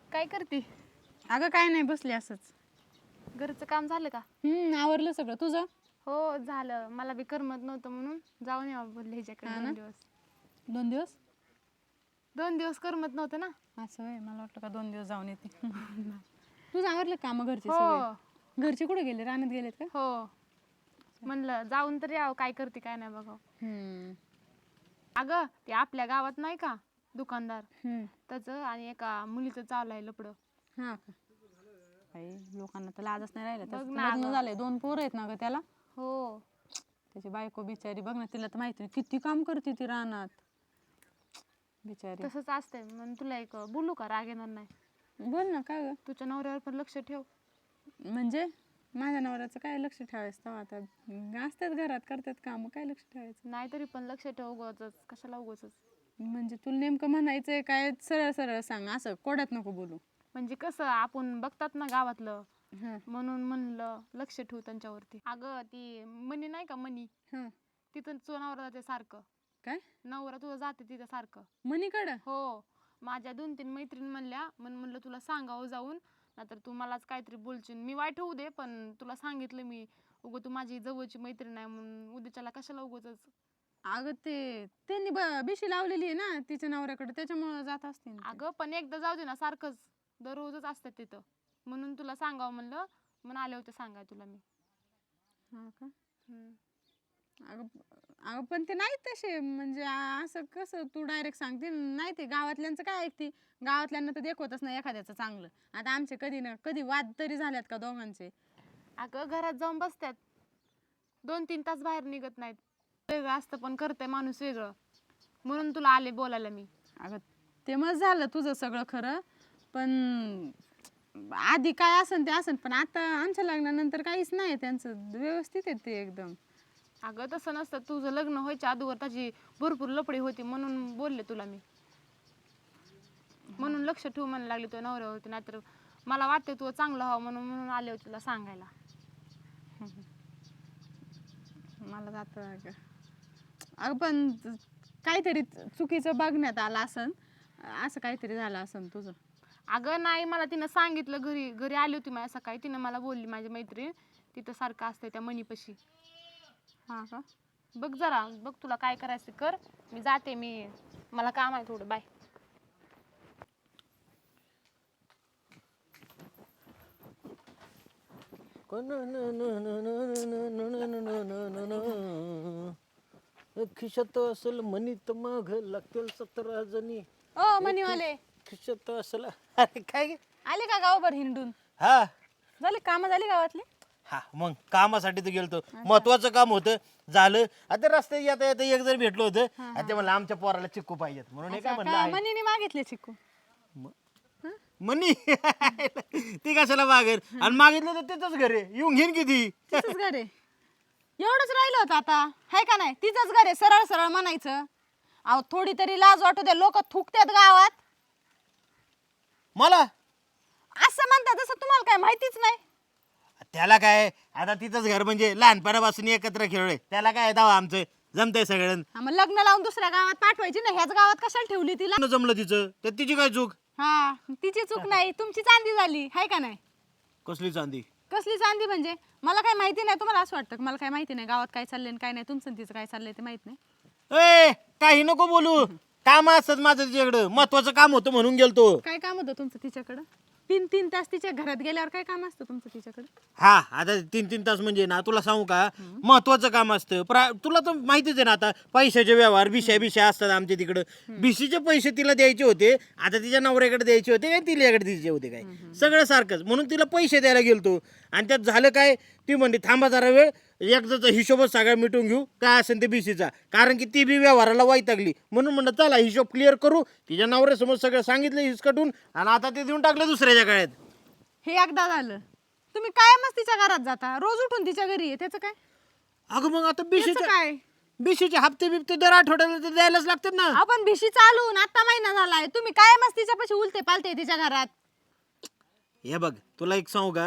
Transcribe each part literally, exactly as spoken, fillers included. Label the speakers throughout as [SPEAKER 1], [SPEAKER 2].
[SPEAKER 1] काय करते?
[SPEAKER 2] अगं काय नाही, बसले असंच.
[SPEAKER 1] घरचं काम झालं का?
[SPEAKER 2] हम्म आवरलं सगळं तुझं?
[SPEAKER 1] हो झालं. मला बी करमत नव्हतं म्हणून जाऊन यावं बोलले ह्याच्याकडे
[SPEAKER 2] हा ना?
[SPEAKER 1] दोन दिवस.
[SPEAKER 2] दोन दिवस
[SPEAKER 1] दोन दिवस करमत नव्हतं ना.
[SPEAKER 2] असं होय, मला वाटलं का दोन दिवस जाऊन येते. तुझं आवरलं काम घरचे
[SPEAKER 1] हो
[SPEAKER 2] सगळे? घरचे कुठे गेले, रानात गेलेत का?
[SPEAKER 1] हो म्हणलं जाऊन तर यावं, काय करते काय नाही बघावं.
[SPEAKER 2] हम्म
[SPEAKER 1] अगं ते आपल्या गावात नाही का दुकानदार,
[SPEAKER 2] हम्म
[SPEAKER 1] त्याचं आणि एका मुलीचं चालू आहे लपडं.
[SPEAKER 2] हा का? काही लोकांना तर लाजच नाही राहिलं.
[SPEAKER 1] बघ
[SPEAKER 2] त्याचं
[SPEAKER 1] ना
[SPEAKER 2] लग्न
[SPEAKER 1] अगं.
[SPEAKER 2] झालंय, दोन पोरं आहेत ना ग त्याला.
[SPEAKER 1] हो
[SPEAKER 2] त्याची बायको बिचारी बघ ना, तिला तर माहिती नाही किती काम करते ती रानात बिचारी.
[SPEAKER 1] तसंच असतंय. म्हणून तुला एक बोलू का, राग येणार नाही?
[SPEAKER 2] बोल ना, काय ग?
[SPEAKER 1] तुझ्या नवऱ्यावर पण लक्ष ठेव.
[SPEAKER 2] म्हणजे माझ्या नवऱ्याचं काय लक्ष ठेवायचं तेव्हा, आता असतात घरात करतात काम, काय लक्ष ठेवायचं?
[SPEAKER 1] नाहीतरी पण लक्ष ठेव, उगाचच कशाला उगाचच.
[SPEAKER 2] म्हणजे तुला नेमकं म्हणायचंय काय? सरळ सरळ सांग, असं कोड्यात नको बोलू.
[SPEAKER 1] म्हणजे कसं आपण बघतात ना गावातलं,
[SPEAKER 2] हा
[SPEAKER 1] म्हणून म्हणलं लक्ष ठेवू त्यांच्यावरती. अगं ती मनी नाही का, मनी,
[SPEAKER 2] हा
[SPEAKER 1] तिथं तुझं नवरा जाते सारखं.
[SPEAKER 2] काय
[SPEAKER 1] नवरा तुझं जाते तिथं सारखं.
[SPEAKER 2] मनीकडं?
[SPEAKER 1] हो, माझ्या दोन तीन मैत्रीण म्हणल्या, म्हणून म्हणलं तुला सांगावं जाऊन, नाहीतर तू मलाच काहीतरी बोलशील. मी वाईट होऊ दे, पण तुला सांगितलं मी, उगं तू माझी जवळची मैत्रीण आहे म्हणून उद्याच्याला कशाला उगाचच.
[SPEAKER 2] अगं ते त्यांनी ब- बिशी लावलेली आहे ना तिच्या नवऱ्याकडे, त्याच्यामुळे जात असते ना ते.
[SPEAKER 1] अगं पण एकदा जाऊ दे ना, सारखंच दररोजच असतात तिथं, म्हणून तुला सांगावं म्हणलं, म्हणून आले होते सांगाय तुला मी.
[SPEAKER 2] हा का?
[SPEAKER 1] हम्म.
[SPEAKER 2] अगं अगं पण ते नाही तसे, म्हणजे आ- असं कसं तू डायरेक्ट सांगते नाही, ते गावातल्यांचं काय ऐकते? गावातल्यांना तर देखवतच नाही एखाद्याचं चांगलं. आता आमचे कधी ना कधी वाद तरी झाल्यात का दोघांचे?
[SPEAKER 1] अगं घरात जाऊन बसतात, दोन तीन तास बाहेर निघत नाहीत. वेगळं असतं पण करतंय माणूस वेगळं, म्हणून तुला आले बोलायला मी.
[SPEAKER 2] अगं ते मग झालं तुझं सगळं खरं, पण आधी काय असन ते असन, पण आता आमच्या लग्नानंतर काहीच नाही त्यांचं, व्यवस्थित आहे ते एकदम.
[SPEAKER 1] अगं तसं नसतं, तुझं लग्न व्हायच्या अगोदर त्याची भरपूर लपडी होती म्हणून बोलले तुला मी, म्हणून लक्ष ठेवू म्हणायला लागली तुझ्या नवऱ्यावरती. नाहीतर मला वाटते तू चांगलं व्हावं म्हणून म्हणून आले होते तुला सांगायला.
[SPEAKER 2] मला जातं अगं. अगं पण काहीतरी चुकीचं बघण्यात आलं असन, असं काहीतरी झालं असन तुझं.
[SPEAKER 1] अगं नाही, मला तिनं सांगितलं, घरी घरी आली होती माझ्या सकाळी, तिनं मला बोलली माझी मैत्रीण तिथं सारखं असते त्या मनीपाशी.
[SPEAKER 2] हा का?
[SPEAKER 1] बघ जरा, बघ तुला काय करायचं ते कर, मी जाते, मी मला काम आहे थोडं, बाय.
[SPEAKER 3] खिशात असेल मनी तर मग लागतील सतरा जणी.
[SPEAKER 2] ओ मनीवाले,
[SPEAKER 3] खिशात असेल. अरे काय गे?
[SPEAKER 2] आले का गावभर हिंडून?
[SPEAKER 3] हा
[SPEAKER 2] झाले काम, झाली गावातली?
[SPEAKER 3] हा मग कामासाठी तर गेलतो, महत्वाचं काम होतं, झालं. आता रस्त्यात येता येता एक जर भेटलो होतं, आणि ते म्हणलं आमच्या पोराला चिक्कू पाहिजेत म्हणून हे काय म्हणलं आहे.
[SPEAKER 2] मनीने मागितले चिक्कू?
[SPEAKER 3] मनी ती कशाला मागेल, आणि मागितलं तर तिथंच घरे येऊन घेईन किती.
[SPEAKER 2] तिचंच घर आहे, एवढंच राहिलं होतं आता, हाय का नाही? तिचंच घर आहे, सरळ सरळ म्हणायचं. अहो थोडी तरी लाज वाटू दे, लोक थुकतात गावात.
[SPEAKER 3] मला
[SPEAKER 2] असं म्हणतात जसं तुम्हाला काय माहितीच नाही.
[SPEAKER 3] त्याला काय, आता तिथंच घर म्हणजे लहानपणापासून एकत्र खेळलोय, त्याला काय दावा आमचं जमतंय सगळं.
[SPEAKER 2] हा, मग लग्न लावून दुसऱ्या गावात पाठवायची ना, ह्याच गावात कशाला ठेवली तिला?
[SPEAKER 3] न जमलं तिचं तर तिची काय चूक?
[SPEAKER 2] हा, तिची चूक नाही, तुमची चांदी झाली, हाय का नाही?
[SPEAKER 3] कसली चांदी?
[SPEAKER 2] कसली चांदी म्हणजे? मला काय माहिती नाही, तुम्हाला असं वाटतं का मला काय माहिती नाही गावात काय चाललंय आणि काय नाही? तुमचं आणि तिचं काय चाललंय ते माहित नाही?
[SPEAKER 3] ए काही नको बोलू, काम असत माझं तिच्याकडं, महत्वाचं काम होतं म्हणून गेलतो.
[SPEAKER 2] काय काम होतं तुमचं तिच्याकडं? तीन तीन तास तिच्या घरात गेल्यावर काय काम असतं तुमचं तिच्याकडं?
[SPEAKER 3] हा आता तीन तीन तास म्हणजे ना, तुला सांगू का, महत्वाचं काम असतं. प्रा- तुला तर माहितीच आहे ना, आता पैशाचे व्यवहार बिशा बिशा असतात आमच्या तिकडं. बिशीचे पैसे तिला द्यायचे होते, आता तिच्या नवऱ्याकडे द्यायचे होते काय तिच्याकडे द्यायचे होते काय, सगळं सारखंच. म्हणून तिला पैसे द्यायला गेलतो, आणि त्यात झालं काय, ती म्हणली थांबा जरा वेळ, एकदाचा हिशोबच सगळा मिटून घेऊ काय असेल ते बिशीचा, कारण की ती बी व्यवहाराला वैतागली. म्हणून म्हणलं चला हिशोब क्लिअर करू. तिच्या नवऱ्यासमोर सगळं सांगितलं हिसकटून, आणि आता ते देऊन टाकलं दुसऱ्याच्या काळात.
[SPEAKER 2] हे एकदा झालं, तुम्ही कायमच तिच्या घरात जाता, रोज उठून तिच्या घरी आहे, त्याचं काय?
[SPEAKER 3] अगं मग आता
[SPEAKER 2] त्याचं
[SPEAKER 3] बिशीचे
[SPEAKER 2] काय?
[SPEAKER 3] बिशीचे हप्ते बिप्ते दर आठवड्याला तर द्यायलाच लागतात ना.
[SPEAKER 2] आपण भिशी चालून आता महिना झालाय, तुम्ही कायमच तिच्यापाशी उलते पालते तिच्या घरात.
[SPEAKER 3] हे बघ तुला एक सांगू का,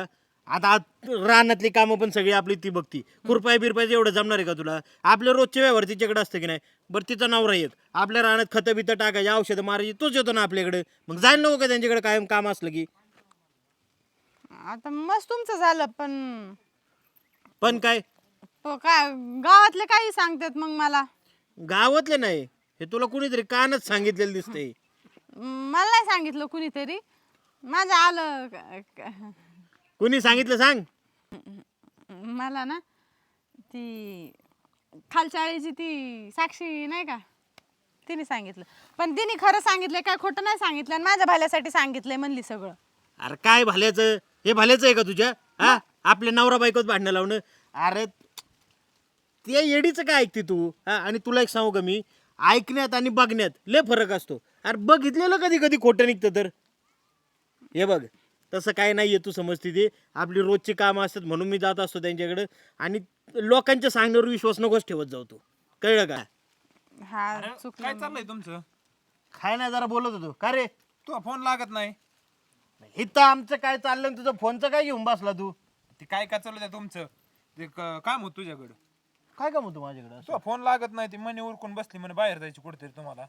[SPEAKER 3] आता आत- रानातली कामं पण सगळी आपली ती बघती. खुरपाय बिरपायचं एवढं जमणार आहे का तुला? आपले रोजचे व्यवहार तिच्याकडे असतं की नाही? बरं तिचा नवरा एक, आपल्या रानात खतं बितं टाकायची, औषधं मारायची, तोच येतो ना आपल्याकडे. मग जायला नको का त्यांच्याकडे कायम काम असलं की?
[SPEAKER 2] आता मस्त तुमचं झालं, पण
[SPEAKER 3] पण काय
[SPEAKER 2] हो काय गावातले काही सांगतात मग मला.
[SPEAKER 3] गावातले नाही, हे तुला कुणीतरी कानच सांगितलेलं दिसतंय.
[SPEAKER 2] मला नाही सांगितलं कुणीतरी, माझं आलं क- क-
[SPEAKER 3] कुणी सांगितलं सांग?
[SPEAKER 2] मला ना ती खालच्या आळीची ती साक्षी नाही का, तिने सांगितलं. पण तिने खरं सांगितलंय काय खोटं नाही सांगितलं, आणि माझ्या भल्यासाठी सांगितलंय म्हणली सगळं.
[SPEAKER 3] अरे काय भाल्याचं, हे भाल्याचं आहे का तुझ्या? हा, आपल्या नवरा बायकोच भांडणं लावणं. अरे ते येडीचं काय ऐकते तू? हा, आणि तुला एक सांगू का मी, ऐकण्यात आणि बघण्यात लय फरक असतो. अरे बघितलेलं कधी कधी खोटं निघतं तर. हे बघ, तसं काय नाहीये, तू समजते ते. आपली रोजची कामं असतात म्हणून मी जात असतो त्यांच्याकडे. आणि लोकांच्या सांगण्यावर विश्वास नकोच ठेवत जाऊ तू, कळलं का?
[SPEAKER 2] हा
[SPEAKER 4] अरे
[SPEAKER 2] चुकलं.
[SPEAKER 4] काय चाललंय तुमचं?
[SPEAKER 3] काय नाही, जरा बोलत होतो. का रे?
[SPEAKER 4] तू फोन लागत नाही.
[SPEAKER 3] इथं आमचं काय चाललं आणि तुझं फोनचं काय घेऊन बसला तू?
[SPEAKER 4] ते काय काय चालू आहे तुमचं? ते क- काम होत तुझ्याकडं.
[SPEAKER 3] काय काम होतं माझ्याकडे?
[SPEAKER 4] तुला फोन लागत नाही, ती मनी उरकून बसली म्हणे बाहेर जायची कुठेतरी तुम्हाला.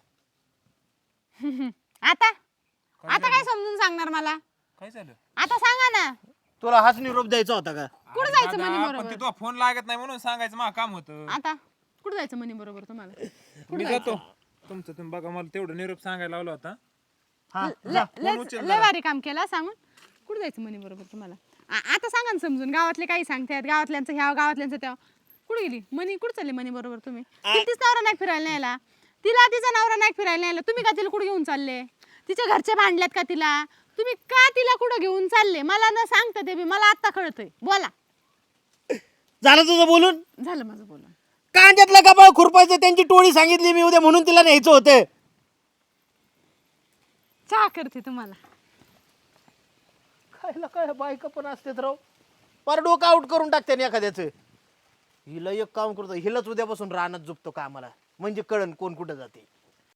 [SPEAKER 2] आता आता काय समजून सांगणार मला?
[SPEAKER 4] काय झालं?
[SPEAKER 2] आता सांगा ना,
[SPEAKER 3] तुला हाच निरोप द्यायचा होता का?
[SPEAKER 2] कुठं
[SPEAKER 4] अरे
[SPEAKER 2] जायचं
[SPEAKER 4] दादा,
[SPEAKER 2] म्हणे
[SPEAKER 4] पण
[SPEAKER 2] बरोबर?
[SPEAKER 4] ते तुला फोन लागत नाही म्हणून सांगायचं मा काम होतं.
[SPEAKER 2] आता कुठं जायचं म्हणे बरोबर तुम्हाला?
[SPEAKER 4] मी जातो तुमचं तुम्ही बघा, मला तेवढं निरोप सांगायला लावला होता.
[SPEAKER 3] हा,
[SPEAKER 2] लय- लय लय भारी काम केलं सांगून. कुठं जायचं म्हणे बरोबर तुम्हाला? आ- आता सांगा ना समजून. गावातले काही सांगतात, गावातल्यांचं ह्या गावातल्यांचं त्या. कुठे गेली मनी? कुठं चालली मनी बरोबर तुम्ही? तिला तीच नवरा नाही फिरायला न्यायला, तिला तिचा नवरा नाही फिरायला न्यायला, तुम्ही का तिला कुठे घेऊन चालले? तिच्या घरचे भांडल्यात का तिला? तुम्ही का तिला कुठं घेऊन चालले? मला न सांगता ते बी मला आत्ता कळतंय. बोला.
[SPEAKER 3] झालं तुझं बोलून?
[SPEAKER 2] झालं माझं बोलून.
[SPEAKER 3] कांद्यातला कपाळ खुरपायचं त्यांची टोळी सांगितली मी उद्या म्हणून तिला न्यायचं होतं.
[SPEAKER 2] चहा करते तुम्हाला.
[SPEAKER 3] खायला काय बायका पण असतेत राव, पर डोकं आउट करून टाकते ना एखाद्याचं. हिला एक काम करतो, हिलाच उद्यापासून रानात झोपतो कामाला, म्हणजे कळण कोण कुठं जाते.